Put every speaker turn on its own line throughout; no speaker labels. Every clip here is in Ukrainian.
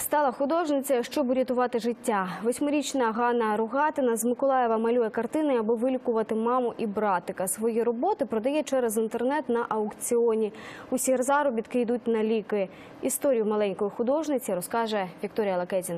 Стала художницею, щоб урятувати життя. 8-річна Ганна Ругатина з Миколаєва малює картини, аби вилікувати маму і братика. Свої роботи продає через інтернет на аукціоні. Усі заробітки йдуть на ліки. Історію маленької художниці розкаже Вікторія Лакезіна.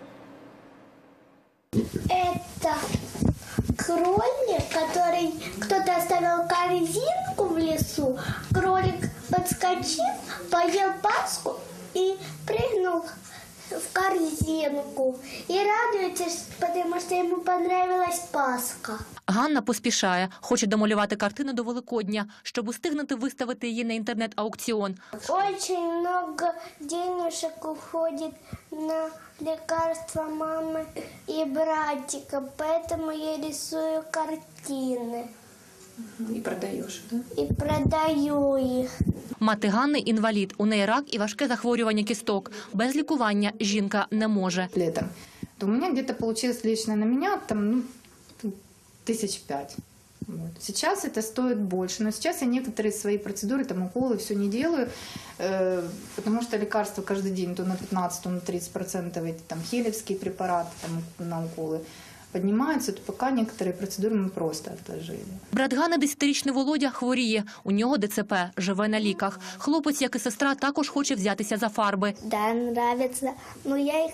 Это кролик, который кто-то оставил корзинку в лесу. Кролик подскочил, поел паску и прыгнул в корзинку. И радуется, потому что ему понравилась паска.
Ганна поспішає. Хоче домалювати картину до Великодня, щоб устигнути виставити її на інтернет-аукціон.
Очень много денежек уходит на лекарства мамы и братика, поэтому я рисую картины.
И продаешь, да?
И продаю их.
Мати Ганни – інвалід. У неї рак і важке захворювання кісток. Без лікування жінка не може.
Летом. То у меня где-то получилось лично на меня там, 1005. Вот. Сейчас это стоит больше, но сейчас я некоторые свои процедуры, там уколы, все не делаю, потому что лекарства каждый день то на 15, то на 30% эти там хелевские препараты там, на уколы поднимаются, то пока некоторые процедуры мы просто отложили.
Брат Ганни, 10-річний Володя, хворіє. У нього ДЦП, живе на ліках. Хлопець, як і сестра, також хоче взятися за фарби.
Да, нравится, но я их...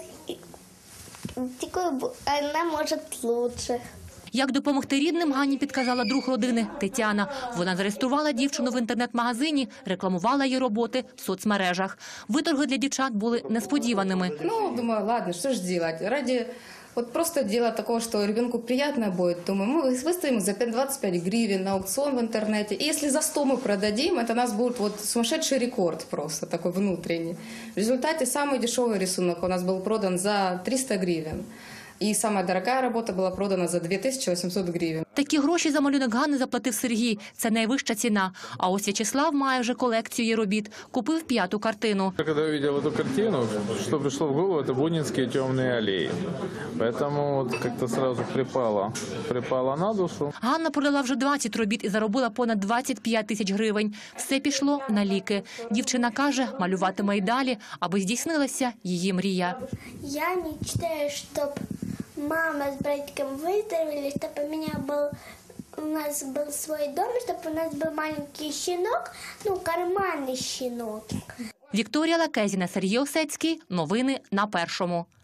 Она может лучше.
Як допомогти рідним, Ганні підказала друг родини – Тетяна. Вона зареєструвала дівчину в інтернет-магазині, рекламувала її роботи в соцмережах. Виторги для дівчат були несподіваними.
Думаю, ладно, что ж делать? Ради просто дела такого, что ребенку приятно будет, думаю, мы выставим за 25 гривен на аукцион в интернете. И если за 100 мы продадим, это у нас будет сумасшедший рекорд просто, такой внутренний. В результате самый дешевый рисунок у нас был продан за 300 гривен. І самая дорогая робота була продана за 2800 гривень.
Такі гроші за малюнок Ганни заплатив Сергій. Це найвища ціна. А ось В'ячеслав має вже колекцію її робіт. Купив 5-ту картину.
Коли я побачив цю картину, що прийшло в голову, це бунінські темні алеї. Тому як-то одразу припала на душу.
Ганна продала вже 20 робіт і заробила понад 25 тисяч гривень. Все пішло на ліки. Дівчина каже, малюватиме й далі, аби здійснилася її мрія.
Я мечтаю, щоб мама с братиком выздоровели, чтобы у нас был свой дом, чтобы у нас был маленький щенок, карманный щенок.
Вікторія Лакезіна, Сергій Осецький. Новини на Першому.